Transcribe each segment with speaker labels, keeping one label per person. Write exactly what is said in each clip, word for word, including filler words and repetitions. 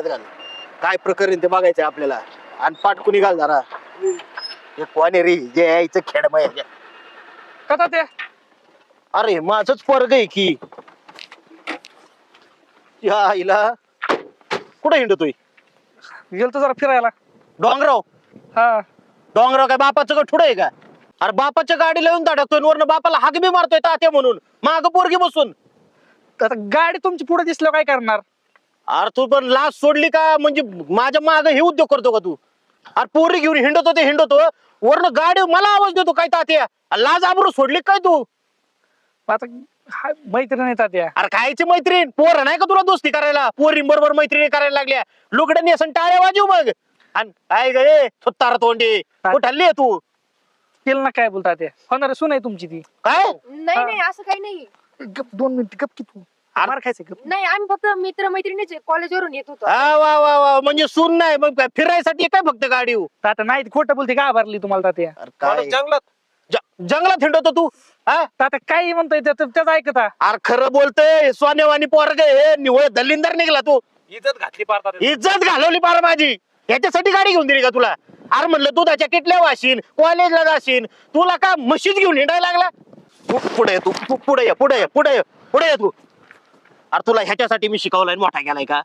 Speaker 1: गळ्यात घाल. काय प्रकरण ते बघायचंय आपल्याला. आणि पाटकुनी घाल जरा. हे कोण आहे रे जे यायचं खेळ माहिती
Speaker 2: कथा ते
Speaker 1: अरे माझच पोरग आहे की. या आईला कुठे हिंडतोय
Speaker 2: गेलतो जरा फिरायला.
Speaker 1: डोंगराव.
Speaker 2: हा
Speaker 1: डोंगराव काय बापाचं का ठुडं आहे का? अरे बापाच्या गाडीला येऊन धडकतोय वरनं बापाला हाक बी मारतोय तात्या म्हणून माग पोरगी बसून.
Speaker 2: आता गाडी तुमची पुढे दिसल्यावर काय करणार?
Speaker 1: अरे तू पण लाज सोडली का? म्हणजे माझ्या माग हे उद्योग करतो का तू? अरे पोरी घेऊन हिंडतो ते हिंडतो वरनं गाडी मला आवाज देतो काय तात्या? लाज आबरू सोडली काय तू?
Speaker 2: आता हा- मैत्रीण येतात त्या.
Speaker 1: अरे खायची मैत्रीण पोर नाही का तुला दोस्ती करायला? पोरी बरोबर मैत्रिणी करायला लागल्या लुगड्यांनी असं टाळ्या वाजू मग. आणि काय गे थोत्तार तोंडी कुठं हल्ली आहे तू?
Speaker 2: तिला ना काय बोलतात त्या होणार सुन आहे तुमची ती.
Speaker 1: काय
Speaker 3: नाही नाही असं काही नाही.
Speaker 2: गप दोन मिनिट गप की तू मार खायचं गप.
Speaker 3: नाही आम्ही फक्त मित्र मैत्रिणीचे कॉलेजवरून येत होतो.
Speaker 1: हा वा वा वा म्हणजे सून नाही मग काय फिरायसाठी काय फक्त गाडी?
Speaker 2: आता नाही खोटं बोलते का भरली तुम्हाला तात्या?
Speaker 1: अरे काय
Speaker 4: जंगलात
Speaker 1: ज- जंगलात हिंडतो तू? हा
Speaker 2: तात्या काही म्हणतोय त्याचं त्याचं ऐकता.
Speaker 1: अरे खरं बोलतोय सोन्यावानी पोरग हे निवळ दलिंदर निघला तू.
Speaker 4: इज्जत घातली पारतात.
Speaker 1: इज्जत घालवली पार माझी. याच्यासाठी गाडी घेऊन दिली का तुला? अरे म्हणलं दुधाच्या किटल्या वाशीन कॉलेजला जाशील तुला का म्हशीच घेऊन हिंडायला लागला? तू पुढे ये, तू तू पुढे ये, पुढे ये, पुढे ये, पुढे ये तू. अरे तुला ह्याच्यासाठी मी शिकवलाय मोठा गेलाय का?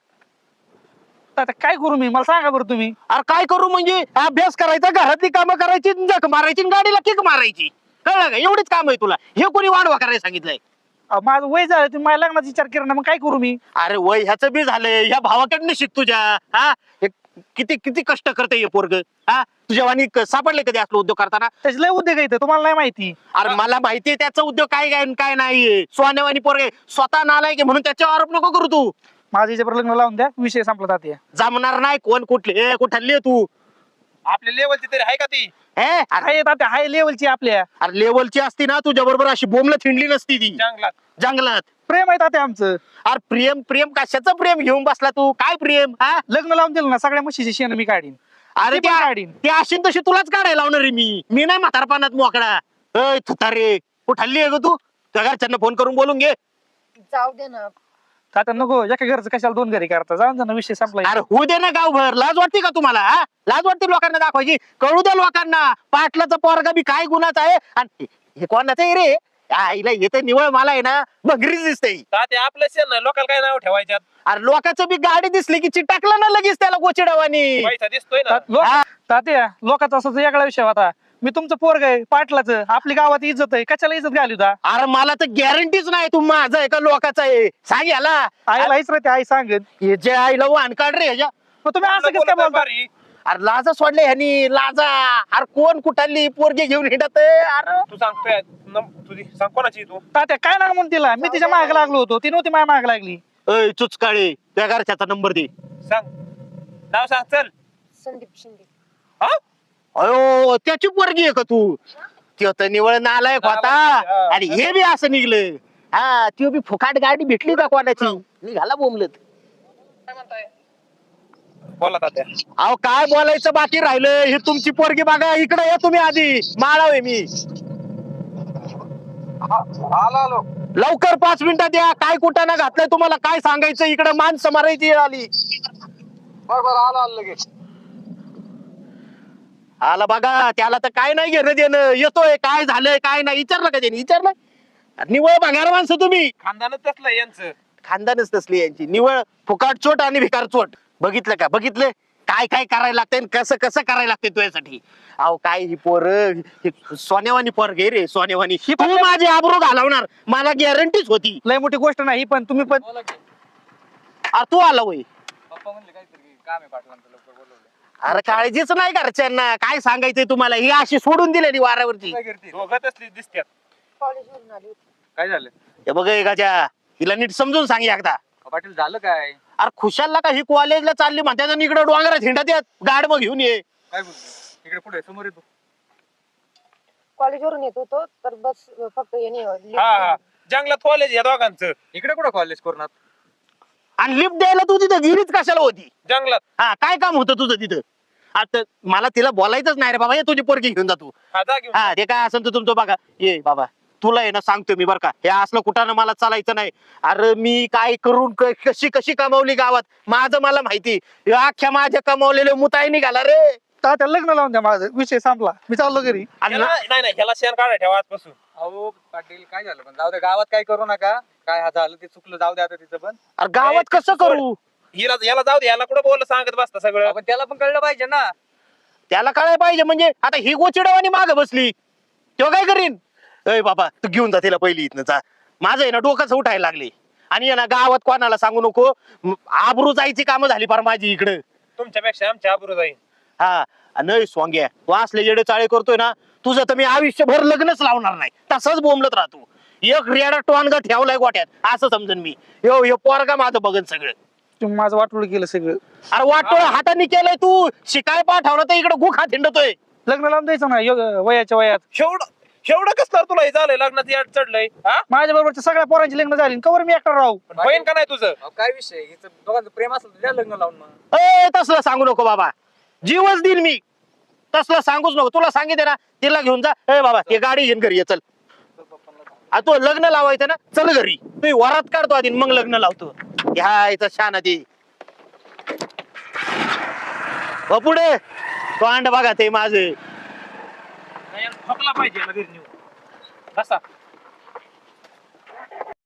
Speaker 2: आता काय करू मी? मला सांगा बरं तुम्ही.
Speaker 1: अरे काय करू म्हणजे अभ्यास करायचा घरातली कामं करायची जख मारायची आणि गाडीला किक मारायची. कळलं का? एवढीच काम आहे तुला. हे कोणी वाढवा करायला सांगितलंय?
Speaker 2: अहो, माझं वय झालं तुम्ही माझ्या लग्नाचा विचार केला ना मग काय करू मी?
Speaker 1: अरे वय ह्याचं बी झालंय ह्या भावाकडनं शिक तुझ्या. हा हे किती किती कष्ट करते हे पोरग. हा तुझ्या वाणी क- सापडले कधी असलो उद्योग करताना?
Speaker 2: त्याचे लय उद्योग येतं तुम्हाला नाही माहिती.
Speaker 1: अरे मला माहितीये त्याचा उद्योग काय काय काय नाहीये. सोन्यावानी पोरगे स्वतः नालाय की म्हणून त्याच्यावर आरोप नको करू तू.
Speaker 2: माझं याच्यावर लग्न लावून द्या विषय संपला तात्या.
Speaker 1: जमणार नाही. कोण कुठले कुठली तू?
Speaker 4: आपल्या लेवलची तरी आहे का ती?
Speaker 1: हे अरे
Speaker 2: हाय तात्या हाय लेवलची आपल्या.
Speaker 1: अरे लेवलची असती ना तुझ्या बरोबर अशी बोमला थिंडली नसती ती
Speaker 4: जंगलात
Speaker 1: जंगलात.
Speaker 2: प्रेम आहे तात्या आमचं.
Speaker 1: अरे प्रेम प्रेम कशाचं प्रेम घेऊन बसला तू? काय प्रेम? हा
Speaker 2: लग्न लावून दिलं ना सगळ्या म्हशीचे शेण मी काढीन.
Speaker 1: अरे
Speaker 2: ती पण
Speaker 1: त्या
Speaker 2: काढीन.
Speaker 1: ते अशी तशी तुलाच काढायला लावणार आहे मी. मी नाही म्हातारपणात मोकळा. अय थुतारे कुठं हल्ली आहे ग तू? त्या घरच्यांना फोन करून बोलून घे.
Speaker 3: जाऊ दे ना.
Speaker 2: तात्या नको एका घरचं कशाला दोन घरी करता जाऊन जाणं विषय संपला.
Speaker 1: अरे होऊ दे ना गावभर. लाज वाटते का तुम्हाला? हा लाज वाटते लोकांना दाखवायची? कळू द्या लोकांना पाटलाचा पोरगा बी काय गुन्हाचा आहे. आणि हे कोणाचं आहे रे? आईला येते निवळ मला आहे ना बघरीच दिसते.
Speaker 4: तात्या आपलं शेण नाही लोकांना काय नाव ठेवायच्यात?
Speaker 1: अरे लोकांचं बी गाडी दिसली की चिटाकलं ना लगेच त्याला गोचिडावानी.
Speaker 4: पैसा दिसतोय ना.
Speaker 2: ता- लोक-
Speaker 1: हा.
Speaker 2: तात्या लोकांचा असं वेगळा विषय होता. मी तुमचं पोरग आहे पाटलाचं आपली गावात इज्जत आहे कशाला इज्जत घाली होता?
Speaker 1: अरे मला तर गॅरंटीच नाही तू माझा आहे का लोकांचा आहे. सांग याला.
Speaker 2: आईला हेच राहते आई सांगेन.
Speaker 1: हे जे आईला वाहन काढ रे ह्याच्या.
Speaker 2: मग तुम्ही असं कसं काय
Speaker 4: बोलत आहे
Speaker 2: बोलता?
Speaker 4: भारी.
Speaker 1: अरे लाजा सोडले ह्यानी लाजा. अरे कोण कुठाली पोरगे घेऊन हिंडत अरे
Speaker 4: तू सांगतोय नम- तुझी सांग कोणाची तू?
Speaker 2: तात्या काय ना म्हणून तिला मी तिच्या माग लागलो होतो ती नव्हती माझ्या माग लागली.
Speaker 1: अय चुचकाळे त्या घरच्याचा नंबर दे.
Speaker 4: सांग नाव सांग चल.
Speaker 3: संदीप शिंदे.
Speaker 4: हा
Speaker 1: अयो त्याची पोरगी आहे का तू? त्यो तर निवळ नालायक होता.
Speaker 4: नालायक, हा.
Speaker 1: आणि हे बी असं निघलं. हा त्यो बी फुकाट गाडी भेटली का कोणाची? निघाला बोंबलत.
Speaker 4: काय म्हणताय? बोला तात्या.
Speaker 1: अहो काय बोलायचं बाकी राहिलं? हे तुमची पोरगी बघा इकडे या तुम्ही आधी. माळावे मी
Speaker 4: आलो आलो.
Speaker 1: लवकर पाच मिनिटात या. काय कुठं ना घातलंय तुम्हाला काय सांगायचं? इकडे माणसं मारायची वेळ आली.
Speaker 4: बर बर आलो आलो लगेच.
Speaker 1: आला बघा त्याला तर काय नाही घेणं देणं. येतोय काय झालंय काय नाही विचारलं का त्याने? विचारलं? निवळ भंगार माणसं तुम्ही.
Speaker 4: खानदानच तसलं यांचं.
Speaker 1: खानदानच तसली यांची. निवळ फुकाट चोट आणि भिकार चोट. बघितलं का? बघितलं काय काय करायला लागतंय आणि कसं कसं करायला लागतंय तुझ्यासाठी. अहो काय ही पोर सोन्यावानी पोर घे रे सोन्यावानी.
Speaker 2: ही
Speaker 1: तू
Speaker 2: पण-
Speaker 1: माझी आबरू घालवणार मला गॅरंटीच होती.
Speaker 2: लय मोठी गोष्ट नाही पण तुम्ही पण
Speaker 1: अरे तू आला वय.
Speaker 4: पप्पा म्हणले काहीतरी काम आहे पाटलांचं लवकर बोलवलं.
Speaker 1: अरे काळजीच नाही घरच्यांना. काय सांगायचंय तुम्हाला? ही अशी सोडून दिलेली वारावरची.
Speaker 4: काय करते? दोघं तसली दिसत्यात.
Speaker 3: कॉलेजवरून आली होती.
Speaker 4: काय झालं?
Speaker 1: हे बघ एकाच्या हिला नीट समजून सांग एकदा.
Speaker 4: पाटील झालं काय?
Speaker 1: अरे खुशालला का ही कॉलेजला चालली म्हणतात आणि इकडे डोंगरात हिंडत येत गाड मग घेऊन ये.
Speaker 4: काय बोलतो? इकडे पुढे समोर येतो.
Speaker 3: कॉलेजवरून येत होतो तर बस फक्त याने lift
Speaker 4: हा हा
Speaker 3: दिली.
Speaker 4: जंगलात कॉलेज या दोघांचं. इकडे कुठं कॉलेज करणार?
Speaker 1: आणि लिफ्ट द्यायला तू तिथं गिरीच कशाला होती?
Speaker 4: जंगलात.
Speaker 1: हा काय काम होतं तुझं तिथं? आता मला तिला बोलायचंच नाही रे बाबा. ये तुझी पोरगी घेऊन जातो.
Speaker 4: हा जा घेऊन.
Speaker 1: हा ते काय असेल तर तुमचं बघा. ये बाबा तुला आहे ना सांगतो मी बरं का, हे असलं कुठानं मला चालायचं नाही. अरे मी काय करून क- कशी कशी कमावली गावात माझं मला माहिती. हे अख्ख्या माझ्या कमावलेले मुताई निघाला रे.
Speaker 2: तात्या लग्न लावून द्या माझं, विषय संपला, मी चाललो घरी.
Speaker 1: आणि
Speaker 4: ह्याला-
Speaker 1: ना-
Speaker 4: नाही नाही ह्याला शेण काढा ठेवा आजपासून. अहो पाटील काय झालं पण जाऊ दे, गावात काय करू नका. काय हा झालं ते चुकलं, जाऊ दे आता तिचं पण.
Speaker 1: अरे गावात कसं करू?
Speaker 4: हिला याला जाऊ दे, याला कुठं बोललं सांगत बसता सगळं. पण त्याला पण कळलं पाहिजे ना.
Speaker 1: त्याला कळायला पाहिजे म्हणजे आता ही गोचिडवानी माग बसली तेव्हा काय करीन. अय बाबा तू घेऊन जा तिला पहिली इथनं जा. माझं आहे ना डोकंच उठायला लागले. आणि आहे ना गावात कोणाला सांगू नको. म- आबरू जायची कामं झाली फार माझी इकडं.
Speaker 4: तुमच्यापेक्षा आमच्या आबरू जाईल.
Speaker 1: हा नाही स्वांग्या तू असले जेडे चाळे करतोय ना, तुझं तर मी आयुष्यभर लग्नच लावणार नाही. तसंच बोंबलत राहतो. एक रेडा टोनगा ठेवलाय गोट्यात असं समजन मी. यो यो पोरगा माझं बघन सगळं.
Speaker 2: तुम्ही माझं वाटोळ केलं सगळं.
Speaker 1: अरे वाटोळ हाताने केलंय तू. शिकाय पाठवलं तर इकडे गुख हात हिंडतोय.
Speaker 2: लग्न लावून द्यायचं ना योग वयाच्या वयात.
Speaker 4: एवढं एवढं कसं तुला हे झालंय, लग्नात याड चढलंय. हा
Speaker 2: माझ्या बरोबरच्या सगळ्या पोरांची लग्न झाली, कवर मी एकटा राहू.
Speaker 4: पण बहीण का नाही तुझं? काय विषय, हिचं दोघांचं प्रेम असेल तर द्या लग्न लावून मग.
Speaker 1: ए तसलं सांगू नको बाबा, जीवच देईल मी. तसलं सांगूच नको. तुला सांगितलं ना तिला घेऊन जा. ए बाबा हे गाडी घेऊन घरी ये चल. आ, तू लग्न लावायचं ना चल घरी. तू वरात काढतो आधी मग लग्न लावतो. ह्या याचा शान आधी हो पुढे तो अंड बघा ते माझे.
Speaker 4: ठोकला पाहिजे याला घरी नेऊन. बसा